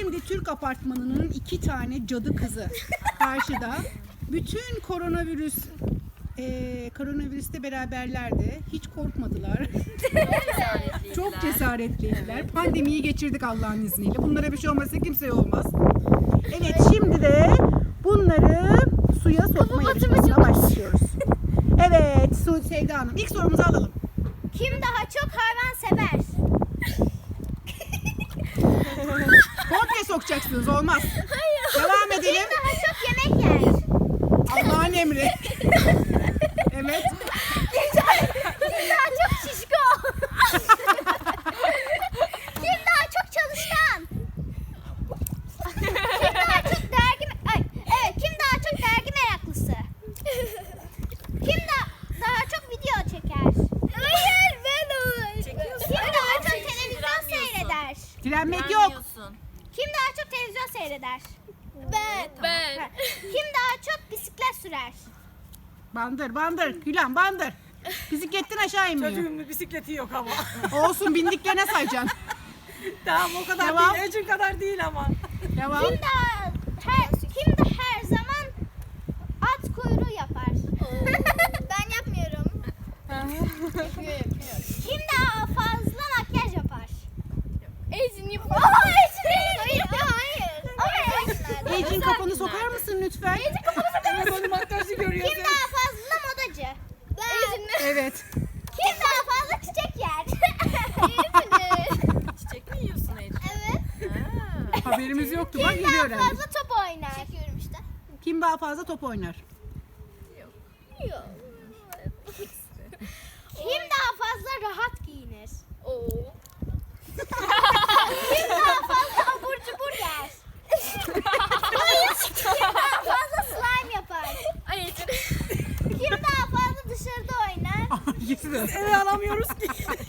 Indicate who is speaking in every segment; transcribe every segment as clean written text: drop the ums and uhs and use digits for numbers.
Speaker 1: Şimdi Türk apartmanının 2 tane cadı kızı karşıda. Bütün koronavirüste beraberlerdi. Hiç korkmadılar. Çok cesaretliydiler. Pandemiyi geçirdik Allah'ın izniyle. Bunlara bir şey olmasa kimseye olmaz. Evet, şimdi de bunları suya sokma yarışmasına başlıyoruz. Evet, Sevda Hanım, ilk sorumuzu alalım.
Speaker 2: Kim daha çok hayvan sever?
Speaker 1: Komple sokacaksınız, olmaz.
Speaker 2: Hayır.
Speaker 1: Devam edelim.
Speaker 2: Kim daha çok yemek yer?
Speaker 1: Allah'ın emri. Evet.
Speaker 2: Kim daha çok şişko? Kim daha çok çalışkan? Kim daha çok kim daha çok dergi meraklısı? Kim daha çok video çeker? Hayır, ben o. Kim daha çok televizyon seyreder?
Speaker 1: Direnmek yok.
Speaker 2: Kim daha çok televizyon seyreder? Ben. Kim daha çok bisiklet sürer?
Speaker 1: Bandır. Gülen bandır. Bisikletten aşağı inmiyor.
Speaker 3: Çocuğumun bisikleti yok ama.
Speaker 1: Olsun, bindiklerine sayacaksın.
Speaker 3: Tamam, o kadar
Speaker 1: Devam.
Speaker 3: değil. Ecin kadar değil ama.
Speaker 1: Devam.
Speaker 2: Kim de her zaman at kuyruğu yapar? Ben yapmıyorum. Yapıyor. Kim daha fazla makyaj yapar? Ecin yapıyor. Hayır. Ama
Speaker 1: Ecin, kafanı sokar mısın lütfen?
Speaker 3: Telefonu makyajı görüyor.
Speaker 2: Kim daha fazla modacı? Ben.
Speaker 1: Evet.
Speaker 2: Kim daha fazla çiçek yer?
Speaker 4: Çiçek mi yiyorsun Ece?
Speaker 2: Evet.
Speaker 1: Haberimiz yoktu. Bak,
Speaker 2: Kim
Speaker 1: geliyor
Speaker 2: daha
Speaker 1: herhalde.
Speaker 2: fazla top oynar? Çekiyorum işte.
Speaker 1: Kim daha fazla top oynar?
Speaker 2: Kim daha fazla rahat giyinir? Kim daha fazla abur cubur yer? Kim daha fazla slime yapar? Kim daha fazla dışarıda oynar?
Speaker 1: İkisi de.
Speaker 3: Eve alamıyoruz ki.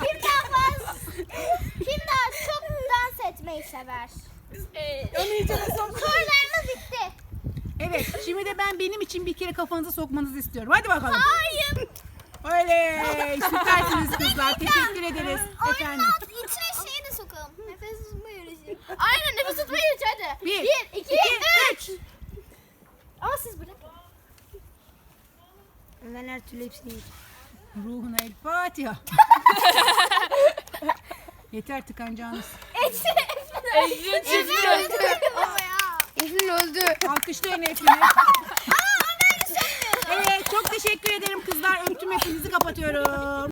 Speaker 2: Kim daha çok dans etmeyi sever?
Speaker 3: Onu iyice
Speaker 2: Sorularımız bitti.
Speaker 1: Evet, şimdi de benim için bir kere kafanızı sokmanızı istiyorum. Hadi bakalım.
Speaker 2: Hayır.
Speaker 1: Oley! Süpersiniz kızlar. Teşekkür ederiz efendim.
Speaker 2: İçine şeyi de sokalım. Nefes tutma yarışı. Aynen, nefes tutma yarışı hadi.
Speaker 1: 1,
Speaker 2: 2, 3. Ama siz bırakın.
Speaker 3: Ben her türlü hepsini yiyeceğim.
Speaker 1: Ruhuna el Fatiha. Yeter tıkanacağınız.
Speaker 2: Eflin öldü.
Speaker 1: Alkışlayın hepiniz. Evet, çok teşekkür ederim kızlar. Öptüm hepinizi, kapatıyorum.